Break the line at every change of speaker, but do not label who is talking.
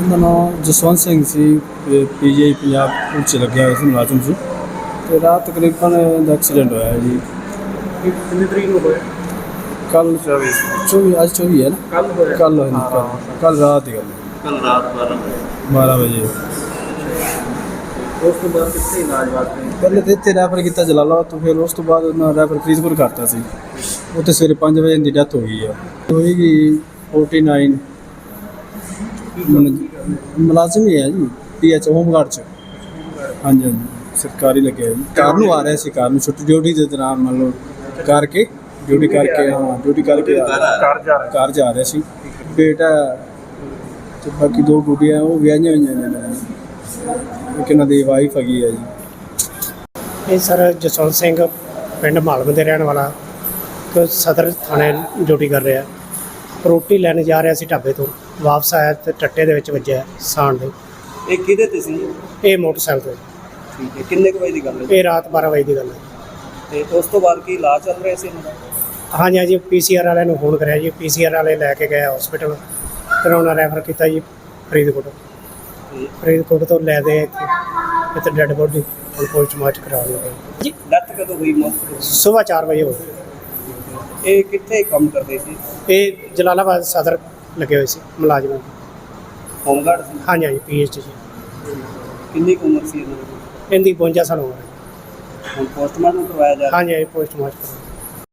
ਇਹਦਾ ਨਾਮ ਜਸਵੰਤ ਸਿੰਘ ਸੀ। ਪੀਜੀਆਈ ਪੰਜਾਬ ਪੁਲਿਸ 'ਚ ਲੱਗਿਆ ਹੋਇਆ ਸੀ, ਮੁਲਾਜ਼ਮ ਸੀ। ਅਤੇ ਰਾਤ ਤਕਰੀਬਨ ਇਹਦਾ ਐਕਸੀਡੈਂਟ ਹੋਇਆ ਜੀ।
ਕਿੰਨੀ ਤਰੀਕ ਨੂੰ ਹੋਇਆ?
ਕੱਲ੍ਹ 24 ਅੱਜ 24 ਹੈ ਨਾ। ਕੱਲ੍ਹ ਹੋਇਆ, ਕੱਲ੍ਹ ਰਾਤ ਦੀ ਗੱਲ ਹੈ।
ਕੱਲ ਰਾਤ
12 ਵਜੇ।
ਉਸ ਤੋਂ ਬਾਅਦ ਕਿੱਥੇ ਇਲਾਜ ਵਾਸਤੇ?
ਪਹਿਲੇ ਤਾਂ ਇੱਥੇ ਰੈਫਰ ਕੀਤਾ ਜਲਾਲਾਬਾਦ ਤੋਂ, ਫਿਰ ਉਸ ਤੋਂ ਬਾਅਦ ਉਹਨਾਂ ਰੈਫਰ ਫਰੀਦਕੋਟ ਕਰਤਾ ਸੀ। ਉੱਥੇ ਸਵੇਰੇ 5 ਵਜੇ ਦੀ ਡੈਥ ਹੋ ਗਈ ਹੈ। ਹੋਏਗੀ 49 ਮੁਲਾਜ਼ਮ ਹੀ ਹੈ ਜੀ, PH ਹੋਮਗਾਰਡ 'ਚ। ਹਾਂਜੀ ਹਾਂਜੀ, ਸਰਕਾਰੀ ਲੱਗਿਆ ਜੀ। ਕਾਰ ਨੂੰ ਆ ਰਿਹਾ ਸੀ, ਕਾਰ ਨੂੰ ਛੁੱਟੀ ਡਿਊਟੀ ਦੇ ਦੌਰਾਨ ਮੰਨ ਲਓ ਕਰਕੇ ਡਿਊਟੀ ਕਰਕੇ ਘਰ ਜਾ ਰਿਹਾ ਸੀ। ਬੇਟਾ ਅਤੇ ਬਾਕੀ 2 ਗੁੱਡੀਆਂ ਉਹ ਵਿਆਹੀਆਂ ਹੋਈਆਂ ਨੇ। ਇੱਕ ਇਹਨਾਂ ਦੀ ਵਾਈਫ ਹੈਗੀ ਹੈ ਜੀ।
ਇਹ ਸਰ ਜਸਵੰਤ ਸਿੰਘ ਪਿੰਡ ਮਾਲਮ ਦੇ ਰਹਿਣ ਵਾਲਾ, ਸਦਰ ਥਾਣੇ ਡਿਊਟੀ ਕਰ ਰਿਹਾ। ਰੋਟੀ ਲੈਣ ਜਾ ਰਿਹਾ ਸੀ ਢਾਬੇ ਤੋਂ, ਵਾਪਸ ਆਇਆ ਤੇ ਟੱਟੇ ਦੇ ਵਿੱਚ ਵੱਜਿਆ ਸਾਣ ਦੇ।
ਇਹ ਕਿਹਦੇ ਤੇ ਸੀ?
ਇਹ ਮੋਟਰਸਾਈਕਲ ਤੇ।
ਠੀਕ ਹੈ, ਕਿੰਨੇ ਕੁ ਵਜੇ ਦੀ ਗੱਲ ਹੈ?
ਇਹ ਰਾਤ 12 ਵਜੇ ਦੀ ਗੱਲ ਹੈ।
ਤੇ ਉਸ ਤੋਂ ਬਾਅਦ ਕੀ ਇਲਾਜ ਚੱਲ ਰਿਹਾ ਸੀ ਇਹਨਾਂ ਦਾ?
ਹਾਂਜੀ ਹਾਂਜੀ, PCR ਵਾਲਿਆਂ ਨੂੰ ਫੋਨ ਕਰਿਆ ਜੀ। PCR ਵਾਲੇ ਲੈ ਕੇ ਗਏ ਹਸਪੀਟਲ, ਫਿਰ ਉਹਨਾਂ ਰੈਫਰ ਕੀਤਾ ਜੀ ਫਰੀਦਕੋਟ। ਫਰੀਦਕੋਟ ਤੋਂ ਲੈ ਦੇ ਇੱਥੇ ਡੈਡ ਬੋਡੀ ਹੁਣ ਪੋਸਟਮਾਰਟਮ ਕਰਾ ਲਿਆ ਜੀ।
ਡੈਥ ਕਦੋਂ ਹੋਈ? ਮੌਤ
ਸੁਬਾਹ 4 ਵਜੇ ਹੋ
ਇਹ ਕਿੱਥੇ ਕੰਮ ਕਰਦੇ ਸੀ?
ਇਹ ਜਲਾਲਾਬਾਦ ਸਦਰ ਲੱਗੇ ਹੋਏ ਸੀ ਮੁਲਾਜ਼ਮ।
ਹੋਮਗਾਰਡ ਸੀ?
ਹਾਂਜੀ ਹਾਂਜੀ, PH ਜੀ।
ਕਿੰਨੀ ਕੁ ਉਮਰ ਸੀ ਇਹਨਾਂ ਦੀ?
ਇਹਦੀ 52 ਸਾਲ ਉਮਰ ਹੈ।
ਹੁਣ ਪੋਸਟਮਾਰਟਮ ਕਰਵਾਇਆ ਜਾ ਰਿਹਾ?
ਹਾਂਜੀ ਹਾਂਜੀ, ਪੋਸਟਮਾਰਟਮ